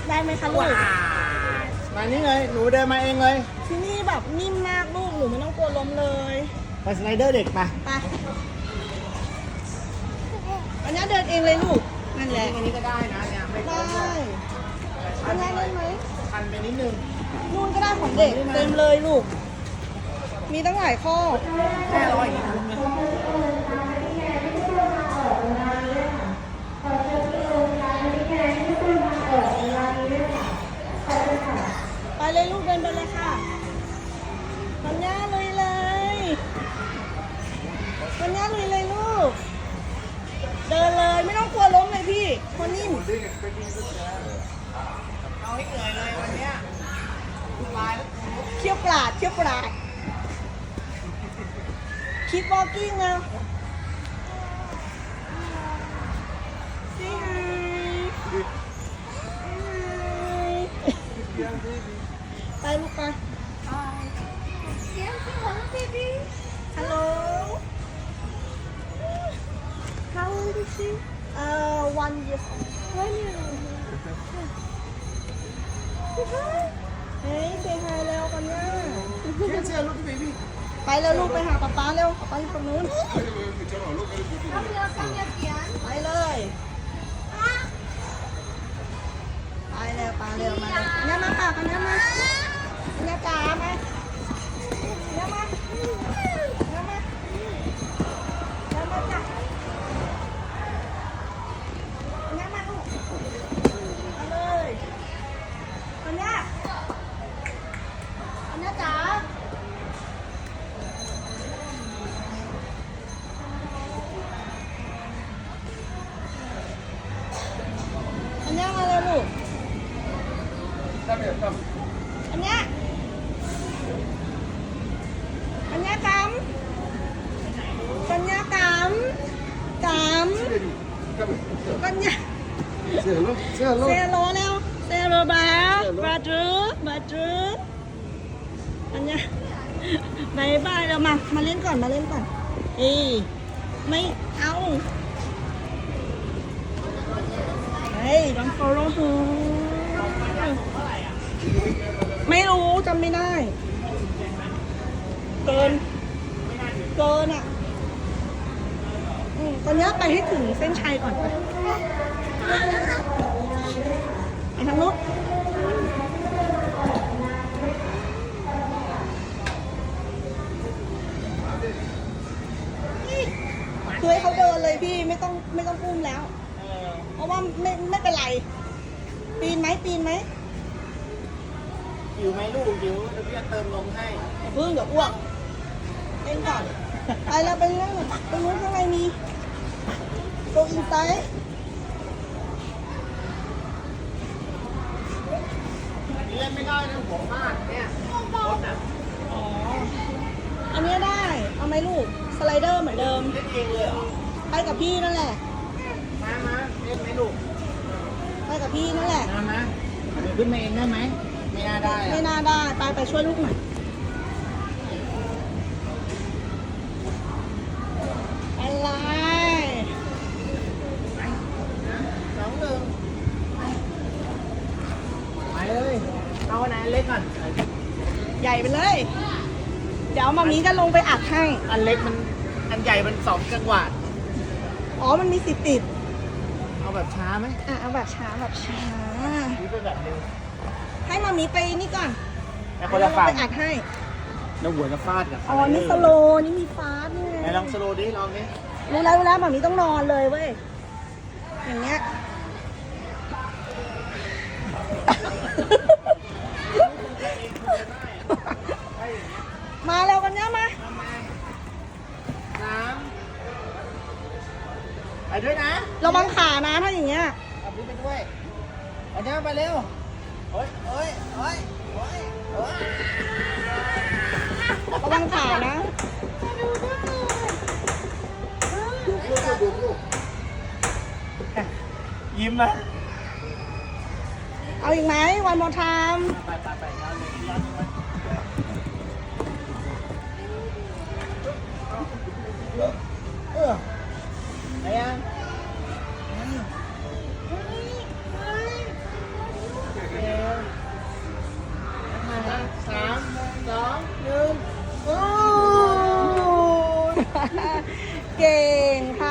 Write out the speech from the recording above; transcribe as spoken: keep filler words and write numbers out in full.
ได้ไหมคะลูกมานี่เลยหนูเดินมาเองเลยที่นี่แบบนิ่มมากลูกหนูไม่ต้องกลัวล้มเลยไปสไลเดอร์เด็กไปไปอันนี้เดินเองเลยลูกนั่นแหละอันนี้ก็ได้นะเนี่ยไม่ได้อันนี้ได้ไหมทันไปนิดนึงนู่นก็ได้ของเด็กเต็มเลยลูกมีตั้งหลายข้อแค่ร้อยไปเลยลูกเดินไปเลยค่ะปัญญาเลยเลยปัญญาเลยเลยลูกเดินเลยไม่ต้องกลัวล้มเลยพี่คนนิ่มเอาให้เหนื่อยเลยวันนี้เขี้ยวปลาดเขี้ยวปลาดคิดวอล์กิ้งนะไปลูกไปฮัลโหล How old is she? Uh, one year old. One year old. Hey, say hi แล้วกันนะไปเร็วลูกไปหาป๊าป๊าเร็วป๊าป๊าอยู่ตรงนู้นไปเลยไปเร็วปาเร็วมาเลยเนี่ยมาค่ะกันเนี่ยมาเนี่ยจ๋ามาเนี่ยมาเนี่ยมาเนี่ยมาจ้ะเนี่ยมาลูกมาเลยกันเนี่ยกันเนี่ยจ๋าอันนี้มาเลยลูกอันเนี้ยอันเนี้ยกำกัญญากำกำกัญญาเซโลเซโลเซโลแล้วเซโลบาบาจูบาจูอันเนี้ยบายบายเรามามาเล่นก่อนมาเล่นก่อนเอ้ยไม่เอาเฮ้ย don't follow her ไม่รู้จำไม่ได้เกินเกินอ่ะตอนนี้ไปให้ถึงเส้นชัยก่อนไปไปทางนู้นคือให้เขาเดินเลยพี่ไม่ต้องไม่ต้องปุ้มแล้วเพราะว่าไม่ไม่เป็นไรปีนไหมปีนไหมหิวไหมลูกหิวเดี๋ยวพี่จะเติมนมให้เพิ่งเดี๋ยวอ้วกเล่นก่อนไปแล้วไปเรื่องตรงนู้นข้างในมีโกอินไซด์เล่นไม่ได้นะหัวมากเนี่ยรถอ่ะอ๋ออันนี้ได้เอาไหมลูกสไลเดอร์เหมือนเดิมเล่นเองเลยเหรอไปกับพี่นั่นแหละมามาเล่นไหมลูกไปกับพี่นั่นแหละมามาเดี๋ยวขึ้นมาเองได้ไหมไม่น่าได้ไม่น่าได้ไปไปช่วยลูกหน่อยอะไรสองหนึ่งไปเลยเอาอันไหนเล็กก่อนใหญ่ไปเลยเดี๋ยวมามีจะลงไปอัดให้อันเล็กมันอันใหญ่มันสองจังหวะอ๋อมันมีสิบติดเอาแบบช้าไหมอ่ะเอาแบบช้าแบบช้านี่เป็นแบบเร็วให้มามีไปนี่ก่อนแล้วคนละฝั่งไปอัดให้แล้วหัวจะฟาดกับอ๋อนี่สโลนี่มีฟาดนี่ไงลองสโลดิลองดิรู้แล้วรู้แล้วมามีต้องนอนเลยเว้ยอย่างเงี้ยมาเร็วกันเนี่ยมาน้ำไปด้วยนะระวังขานะถ้าอย่างเงี้ยเอาพี่ไปด้วยเอาเนี้ยไปเร็วโอ้ยโอ้ยโอ้ยโอ้ยโอ้ยระวังขานะยิ้มนะเอาอีกไหมวันมอทามไปไปไปย้อนเลยย้อนเลยเออไปยังเก่งค่ะ